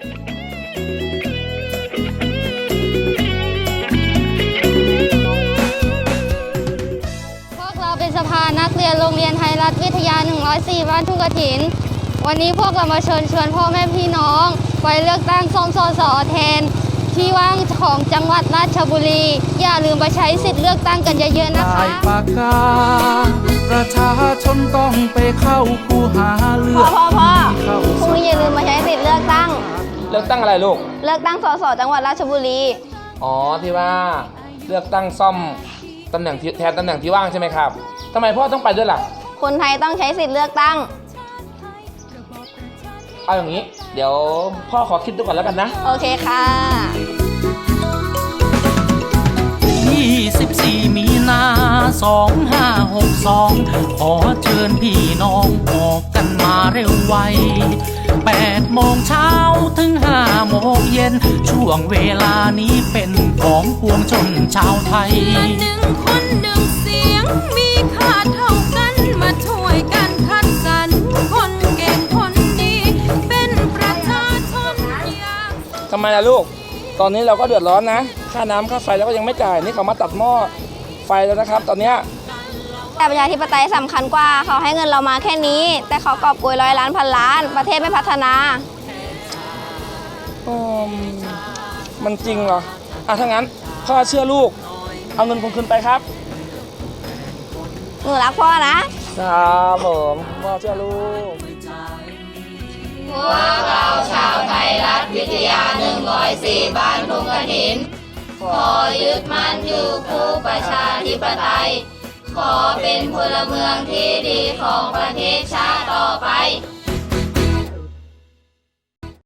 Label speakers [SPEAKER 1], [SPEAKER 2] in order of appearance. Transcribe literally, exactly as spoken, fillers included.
[SPEAKER 1] พวกเราเป็นสภานักเรียนโรงเรียนไทยรัฐวิทยาหนึ่งร้อยสี่บ้านทุ่งกฐินวันนี้พวกเรามาเชิญชวนพ่อแม่พี่น้องไปเลือกตั้งซ่อมสสแทนที่ว่างของจังหวัดราชบุรีอย่าลืมไปใช้สิทธิ์เลือกตั้งกันเยอะๆนะคะ
[SPEAKER 2] ปากกาประชาชนต้องไปเข้าคูหาเลือก
[SPEAKER 1] พ่อพ่อพ่อพรุ่งนี้อย่าลืมมาใช้สิทธิ์เลือกตั้ง
[SPEAKER 3] เลือกตั้งอะไรลูก
[SPEAKER 1] เลือกตั้งสสจังหวัดราชบุรี
[SPEAKER 3] อ๋อที่ว่าเลือกตั้งซ่อมตำแหน่งแทนตำแหน่งที่ว่างใช่ไหมครับทำไมพ่อต้องไปด้วยล่ะ
[SPEAKER 1] คนไทยต้องใช้สิทธิ์เลือกตั้ง
[SPEAKER 3] เอาอย่างนี้เดี๋ยวพ่อขอคิดดูก่อนแล้วกันนะ
[SPEAKER 1] โอเคค่ะ
[SPEAKER 2] ยี่สิบสี่มีนาสองห้าหกสองขอเชิญพี่น้องออกกันมาเร็วไวแปดโมงเช้าถึงห้าโมงเย็นช่วงเวลานี้เป็นของปวงชนชาวไทย
[SPEAKER 4] หนึ่งคนหนึ่งเสียงมีค่าเท่ากันมาช่วยกันคัดสรรคนเก่งคนดีเป็นประชาชนอย่าง
[SPEAKER 3] ทำไมล่ะลูกตอนนี้เราก็เดือดร้อนนะค่าน้ำค่าไฟแล้วก็ยังไม่จ่ายนี่เขามาตัดหม้อไฟแล้วนะครับตอนนี้
[SPEAKER 1] แต่ประชาธิปไตยสำคัญกว่าเขาให้เงินเรามาแค่นี้แต่เขากอบโกยร้อยล้านพันล้านประเทศไม่พัฒนา
[SPEAKER 3] อืมมันจริงเหรออ่ะถ้างั้นพ่อเชื่อลูกเอาเงินผมคืนไปครับ
[SPEAKER 1] หนูรักพ่อนะครับ
[SPEAKER 3] ผมพ่อเชื่อลูก
[SPEAKER 5] พวกเราชาวไทยรัฐวิทยาหนึ่งร้อยสี่บ้านทุ่งกฐินขอยึดมั่นอยู่คู่ประชาธิปไตยขอเป็นพลเมืองที่ดีของประเทศชาติต่อไป